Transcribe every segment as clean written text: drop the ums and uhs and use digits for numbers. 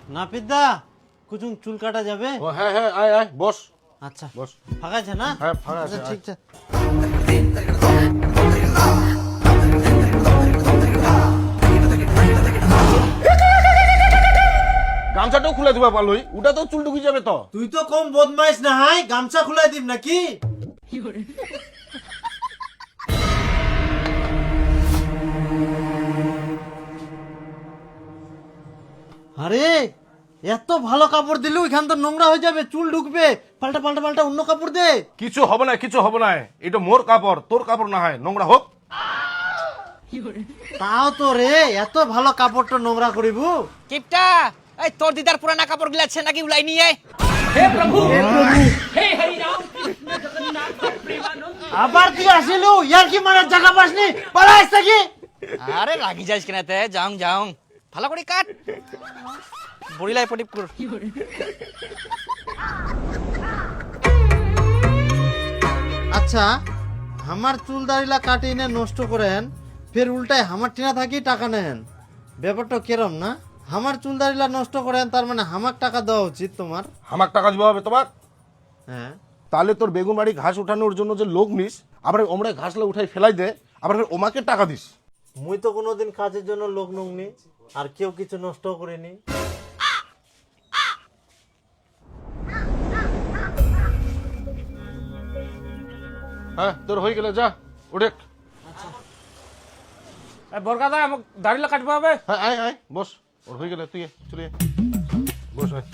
নাপিতদা কুচুং চুল কাটা যাবে? ও হ্যাঁ হ্যাঁ, আয় আয় বস আচ্ছা বস। ফাঁকা আছে না? হ্যাঁ ফাঁকা আছে, আচ্ছা ঠিক আছে। গামছাটাও খুলে দিবা পারলই, ওটা তো চুল ঢুকে যাবে তো। তুই তো কম বদমাইশ না হাই, গামছা খুলাই দিম নাকি? আরে এত ভালো কাপড় দিলু, এখান তো নোংরা হয়ে যাবে, চুল ঢুকবে। পাল্টা পাল্টা পাল্টা অন্য কাপড় দে। কিছু হবে না, কিছু হবে না, এটা মোর কাপড়, তোর কাপড় না হয় নোংরা হোক। তাও তো রে, এত ভালো কাপড়টা নোংরা করিবু? কিপটা এই তোর দিদার পুরানা কাপড় গুলা আছে নাকি উলাই নিয়ে আবার তুই আসিলু, ইয়ার কি মারার জায়গা পাসনি? পালাইস থাকি। আরে রাগি যাইস কেনাতে, যাও যাও ভালো করে কাট বড়িলাই পটিপ কর। আচ্ছা আমার চুল দাড়িলা কাটি নে নষ্ট করেন, ফের উল্টায় আমার টিনা থাকি টাকা নেন, ব্যাপারটা কেরম না? আমার চুল দাড়িলা নষ্ট করেন, তার মানে হামাক টাকা দেওয়া উচিত তোমার। আমার টাকা দিবা হবে তোমার? হ্যাঁ তাহলে তোর বেগুন বাড়ি ঘাস উঠানোর জন্য যে লোক নিস, আবার ওমরা ঘাসলা উঠাই ফেলাই দে, আবার ফের ওমাকে টাকা দিস। মুই তো কোনোদিন কাজের জন্য লোক নুংনি, আর কেউ কিছু নষ্ট করিনি। হ্যাঁ তোর হয়ে গেলে যা উঠে। বরকাদা আমাকে দাড়িলা কাটবা হবে। হ্যাঁ আয় আয় বস, ওর হয়ে গেলে তুই চলে আয়। বস আয়।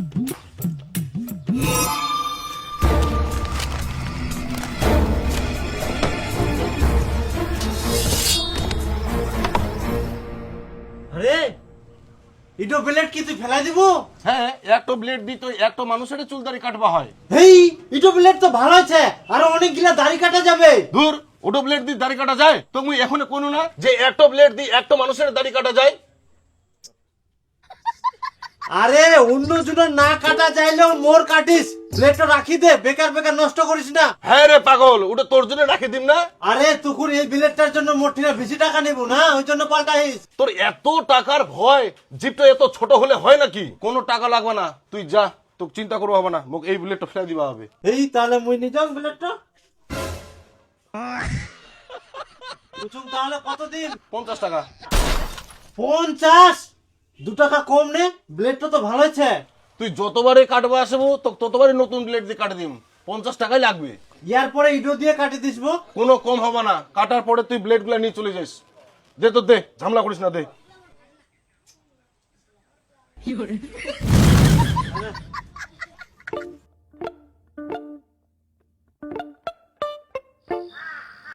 আরে ইটো ব্লেড কি তুই ফেলাই দিব? হ্যাঁ একটা ব্লেড দিই তো একটা মানুষের চুল দাড়ি কাটবা হয়। হেই ইটো ব্লেড তো ভালো আছে, আরো অনেকগুলা দাড়ি কাটা যাবে। দূর, ওটো ব্লেড দিয়ে দাড়ি কাটা যায়? তো মুই এখন কোনো না যে একটা ব্লেড দিয়ে একটা মানুষের দাড়ি কাটা যায়। আরে অন্য জনের না কাটা চাইলেও মোর কাটিস, ব্লেডটা রাখি দে, বেকার বেকার নষ্ট করিস না। হ্যাঁ রে পাগল, ওটা তোর জন্য রাখি দিম না? আরে তুকুর এই ব্লেডটার জন্য মোর ঠিনা বেশি টাকা নেব না, ওই জন্য পাল্টাইস। তোর এত টাকার ভয়, জিপটা এত ছোট হলে হয় নাকি? কোনো টাকা লাগবে না, তুই যা, তোকে চিন্তা করবো হবে না, মোক এই ব্লেডটা ফেলে দিবা হবে। এই তাহলে মুই নিজাম ব্লেডটা। কুচুম তাহলে কতদিন? 50 টাকা। 50? 2 টাকা কম নে, ব্লেডটা তো ভালো আছে। তুই যতবারে কাটবা আসবো তো ততবারই নতুন ব্লেড দিয়ে কাটে দিম, 50 টাকাই লাগবে। ইয়ার পরে ইটো দিয়ে কাটি দিসবো। কোনো কম হবে না, কাটার পরে তুই ব্লেড গুলা নিয়ে চলে যাস। দে তো দে, ঝামেলা করিস না, দে।